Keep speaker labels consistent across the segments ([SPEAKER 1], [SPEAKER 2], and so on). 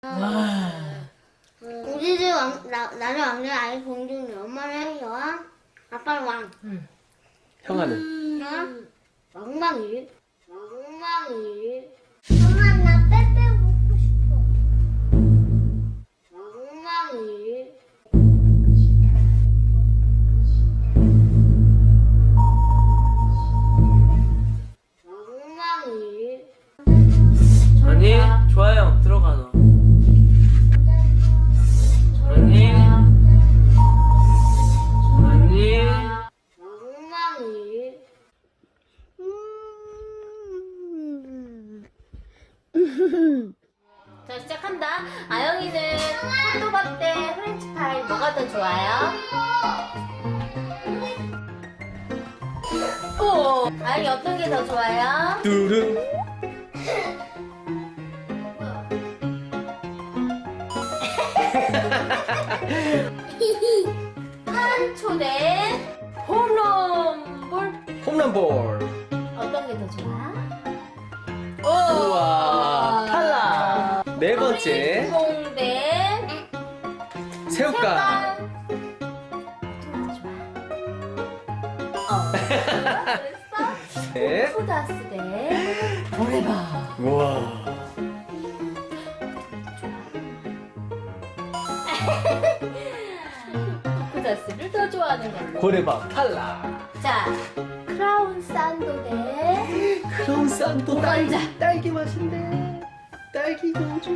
[SPEAKER 1] 와.
[SPEAKER 2] 우리 집 나는 왕래 아이 공주님, 엄마는 여왕, 아빠는 왕.
[SPEAKER 3] 형아는?
[SPEAKER 2] 왕망이. 엄마 나 빼빼 먹고 싶어. 왕망이. 왕망이.
[SPEAKER 3] 아니, 좋아요. 들어가 너. 아니. 아니.
[SPEAKER 2] 왕망이.
[SPEAKER 1] 자, 시작한다. 아영이는 핫도그 대 프렌치파이 뭐가 더 좋아요? 오, 아영이 어떤 게 더 좋아요?
[SPEAKER 3] 뚜루.
[SPEAKER 1] 한초 대 홈런볼
[SPEAKER 3] 홈런볼.
[SPEAKER 1] 어떤 게 더 좋아?
[SPEAKER 3] 우와, 탈락. 네 번째,
[SPEAKER 1] 공대
[SPEAKER 3] 새우깡.
[SPEAKER 1] 그랬어?
[SPEAKER 3] 네.
[SPEAKER 1] 푸다스 대 고래밥.
[SPEAKER 3] 우와.
[SPEAKER 1] 푸다스를 더 좋아하는 걸로.
[SPEAKER 3] 고래밥 탈락.
[SPEAKER 1] 자, 크라운 산도 대
[SPEAKER 3] 크라운 산도
[SPEAKER 1] 오간자.
[SPEAKER 3] 딸기 맛인데. 딸기 공주.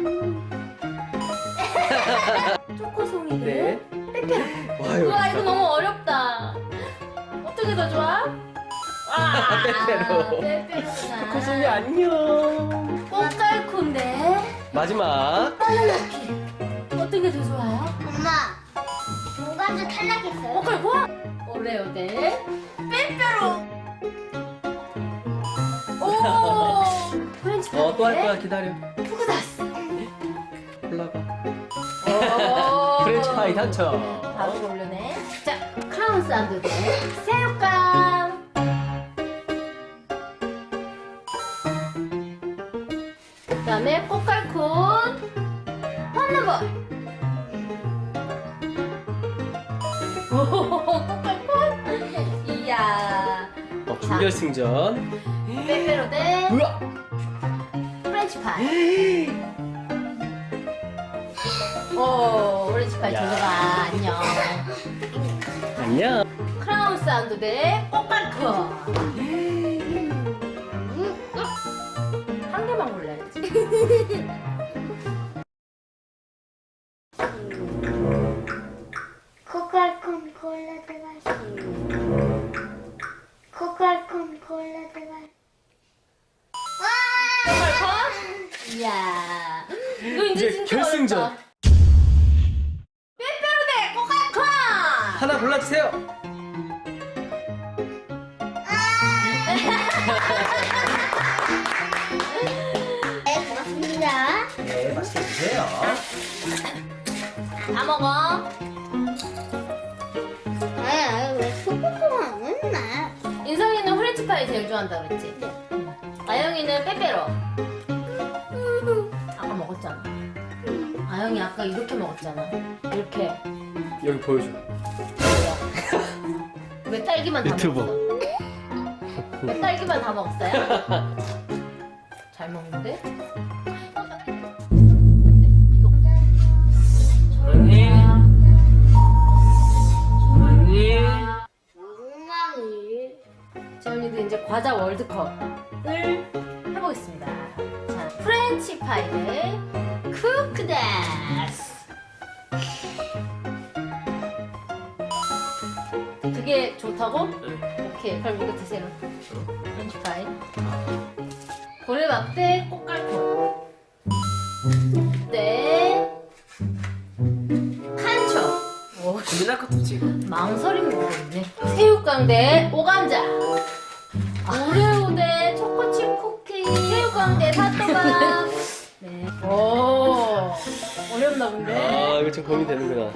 [SPEAKER 1] 초코송이
[SPEAKER 3] 네.
[SPEAKER 1] 대 빼빼로.
[SPEAKER 3] 와요.
[SPEAKER 1] 우와, 이거 너무 어렵다. 어떻게 더 좋아? 와,
[SPEAKER 3] 빼빼로.
[SPEAKER 1] 빼빼로구나.
[SPEAKER 3] 초코송이 안녕.
[SPEAKER 1] 꽃갈콘데
[SPEAKER 3] 마지막.
[SPEAKER 1] 바나나피. 어떤 게 더 좋아요?
[SPEAKER 2] 엄마, 오감자 탈락했어요.
[SPEAKER 1] 꽃갈콘? 오레오 대 빼빼로. 오, 프렌치파이
[SPEAKER 3] 또 할 거야. 기다려.
[SPEAKER 1] 푸그다스.
[SPEAKER 3] 올라가.
[SPEAKER 1] 오.
[SPEAKER 3] 프렌치파이 당첨.
[SPEAKER 1] 바로 고르네. 자, 크라운 산도 대 새우깡. 그 다음에 꽃갈콘 홈런볼. 오, 꽃갈콘. 이야.
[SPEAKER 3] 준결승전.
[SPEAKER 1] 빼빼로 대
[SPEAKER 3] 우와.
[SPEAKER 1] 프렌치파이. 오, 프렌치파이
[SPEAKER 3] 야.
[SPEAKER 1] 들어가. 안녕.
[SPEAKER 3] 안녕.
[SPEAKER 1] 크라운 사운드 대 꽃갈콘. 한 개만 골라야지.
[SPEAKER 2] 코칼콘 콜라데가. 코칼콘 콜라데가.
[SPEAKER 1] 꽃갈콘? 이야. 이거 이제
[SPEAKER 3] 이제
[SPEAKER 1] 진짜
[SPEAKER 3] 결승전.
[SPEAKER 1] 어렵다. 빼빼로 대 꽃갈콘.
[SPEAKER 3] 하나 골라주세요.
[SPEAKER 2] 네, 고맙습니다.
[SPEAKER 3] 네, 맛있게 드세요.
[SPEAKER 1] 다 먹어.
[SPEAKER 2] 왜 소금소금 맨날?
[SPEAKER 1] 인성이는 프렌치파이 제일 좋아한다 그랬지? 아영이는 빼빼로. 아까 먹었잖아. 아영이 아까 이렇게 먹었잖아. 이렇게.
[SPEAKER 3] 여기 보여줘.
[SPEAKER 1] 왜 딸기만 다
[SPEAKER 3] 유튜버.
[SPEAKER 1] 먹었어? 왜 딸기만 다 먹었어요? 잘 먹는데?
[SPEAKER 3] 언니. 언니.
[SPEAKER 2] 엉망이.
[SPEAKER 1] 재훈이도 이제 과자 월드컵을 해보겠습니다. 자, 프렌치 파이 대 쿠크다스. 그게 좋다고? 오케이, 그럼 이거 드세요. 프렌치 파이. 고래밥 대 꽃갈콘. 네. 칸초. 오,
[SPEAKER 3] 고민할 것도 없지 이거.
[SPEAKER 1] 망설임이 있네. 새우깡 대 오감자. 오레오 대 초코칩 쿠키. 새우깡 대 핫도그. 네. 오, 어렵나 본데?
[SPEAKER 3] 아 이거 좀 고민되는구나.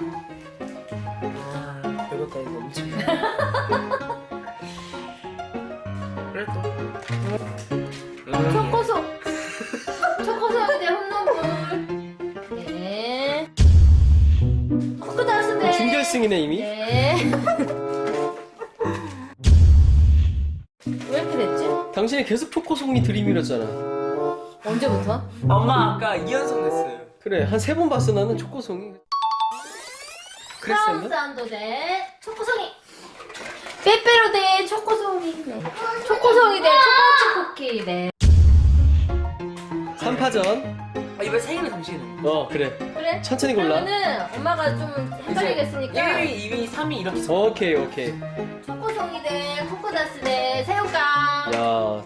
[SPEAKER 3] 아 배고파 이거 엄청. 그래 또.
[SPEAKER 1] 초코소. 초코소 대 홈런볼. 네.
[SPEAKER 3] 1승이네 이미.
[SPEAKER 1] 네. 왜 이렇게 됐지?
[SPEAKER 3] 당신이 계속 초코송이 들이밀었잖아.
[SPEAKER 1] 언제부터?
[SPEAKER 4] 엄마 아까 2연속 냈어요.
[SPEAKER 3] 그래 한 3번 봤어 나는 초코송이.
[SPEAKER 1] 크라운
[SPEAKER 3] 그랬었나?
[SPEAKER 1] 산도 대 초코송이. 빼빼로 대 초코송이. 네. 초코송이 대 초코치 쿠키. 네.
[SPEAKER 3] 3파전.
[SPEAKER 4] 아, 이번에 3개는 당신은.
[SPEAKER 3] 그래.
[SPEAKER 1] 그래?
[SPEAKER 3] 천천히 골라.
[SPEAKER 1] 그러면은 엄마가 좀 헷갈리겠으니까
[SPEAKER 4] 1위, 2위, 3위 이렇게 써.
[SPEAKER 3] 오케이.
[SPEAKER 1] 초코송이 대 코코다스 대 새우깡.
[SPEAKER 3] 야.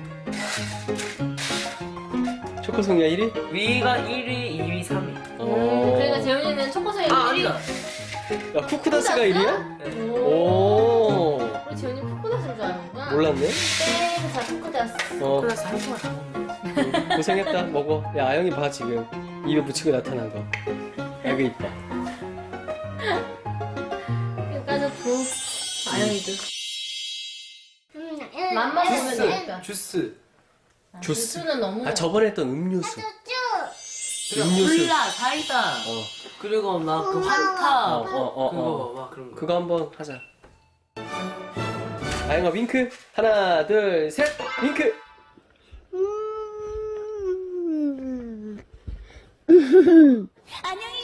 [SPEAKER 3] 초코송이가 1위?
[SPEAKER 4] 위가 1위, 2위, 3위.
[SPEAKER 1] 그러니까 재훈이는 초코송이 1위.
[SPEAKER 4] 아니다.
[SPEAKER 3] 야 쿠쿠다스가 1위야?
[SPEAKER 4] 네.
[SPEAKER 3] 오.
[SPEAKER 1] 우리 재훈이 코코다스인 줄 아는구나.
[SPEAKER 3] 몰랐네.
[SPEAKER 1] 땡. 자 코코다스.
[SPEAKER 4] 그래서 한 통을 다 먹는데.
[SPEAKER 3] 고생했다. 먹어. 야 아영이 봐 지금 입에 붙이고 나타난 거. 아이고 이뻐.
[SPEAKER 1] 까졌고. 아영이도. 맛만 보면 되니까.
[SPEAKER 4] 주스.
[SPEAKER 3] 주스.
[SPEAKER 1] 주스는 너무.
[SPEAKER 3] 아 저번에 했던 음료수.
[SPEAKER 4] 그리고
[SPEAKER 3] 음료수.
[SPEAKER 4] 콜라, 사이다. 그리고 막 그 환타. 그거 막 그런 거.
[SPEAKER 3] 그거 한번 하자. 아영아 윙크. 하나 둘 셋. 윙크.
[SPEAKER 2] 안녕히